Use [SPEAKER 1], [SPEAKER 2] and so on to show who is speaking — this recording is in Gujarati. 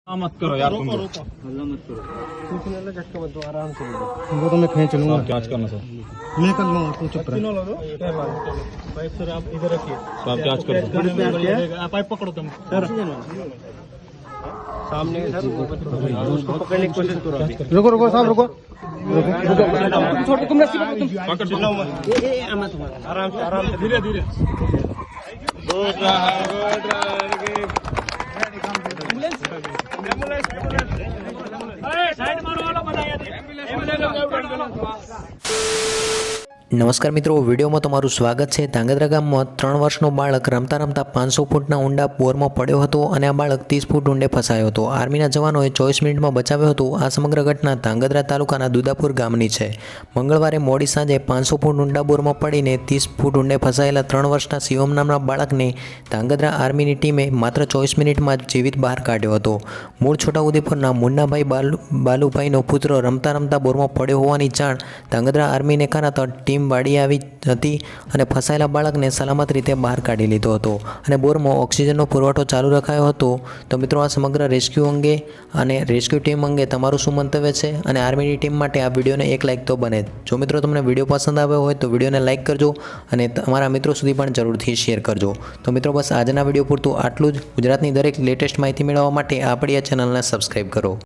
[SPEAKER 1] मत करो यार, तुम
[SPEAKER 2] रोको
[SPEAKER 3] हल्ला मत करो।
[SPEAKER 2] कुछ नहीं लगा, झटका मत दो, आराम से लो।
[SPEAKER 3] वो तो मैं खींच लूंगा,
[SPEAKER 1] जांच करना सर।
[SPEAKER 3] मैं कर लूंगा, तू चुप रह।
[SPEAKER 2] तीनों लो दो। पाइप सर आप इधर रखिए।
[SPEAKER 1] तो आप जांच करो।
[SPEAKER 2] आप पाइप पकड़ो तुम सर। सामने सर उसको पकड़ने की कोशिश करो अभी।
[SPEAKER 3] रुको रुको साहब, रुको
[SPEAKER 2] छोटे तुम रस्सी पकड़ो तुम। चिल्लाओ मत। आराम से धीरे धीरे।
[SPEAKER 4] નમસ્કાર મિત્રો, વિડીયોમાં તમારું સ્વાગત છે। ધાંગધ્રા ગામમાં 3 વર્ષનો બાળક રમતા રમતા 500 ફૂટના ઊંડા બોરમાં પડ્યો હતો અને આ બાળક 30 ફૂટ ઊંડે ફસાયો હતો। આર્મીના જવાનોએ 24 મિનિટમાં બચાવ્યો હતો। આ સમગ્ર ઘટના ધાંગધ્રા તાલુકાના દુદાપુર ગામની છે। મંગળવારે મોડી સાંજે 500 ફૂટ ઊંડા બોરમાં પડીને 30 ફૂટ ઊંડે ફસાયેલા 3 વર્ષના શિવમ નામના બાળકને ધાંગધ્રા આર્મીની ટીમે માત્ર 24 મિનિટમાં જ જીવિત બહાર કાઢ્યો હતો। મૂળ છોટાઉદેપુરના મુન્નાભાઈ બાલુભાઈનો પુત્ર રમતા રમતા બોરમાં પડ્યો હોવાની જાણ ધાંગધ્રા આર્મીને કરાતા ટીમ વાડી આવી હતી અને ફસાયેલા બાળકને સલામત રીતે બહાર કાઢી લીધો હતો અને બોરમાં ઓક્સિજનનો પુરવઠો ચાલુ રખાયો હતો। તો મિત્રો, આ સમગ્ર રેસ્ક્યુ અંગે અને રેસ્ક્યુ ટીમ અંગે તમારું શું મંતવ્ય છે અને આર્મીની ટીમ માટે આ વિડીયોને એક લાઇક તો બને। જો મિત્રો તમને વિડીયો પસંદ આવ્યો હોય તો વિડીયોને લાઇક કરજો અને તમારા મિત્રો સુધી પણ જરૂરથી શેર કરજો। તો મિત્રો, બસ આજના વિડીયો પૂરતું આટલું જ। ગુજરાતની દરેક લેટેસ્ટ માહિતી મેળવવા માટે આપણી આ ચેનલને સબસ્ક્રાઈબ કરો।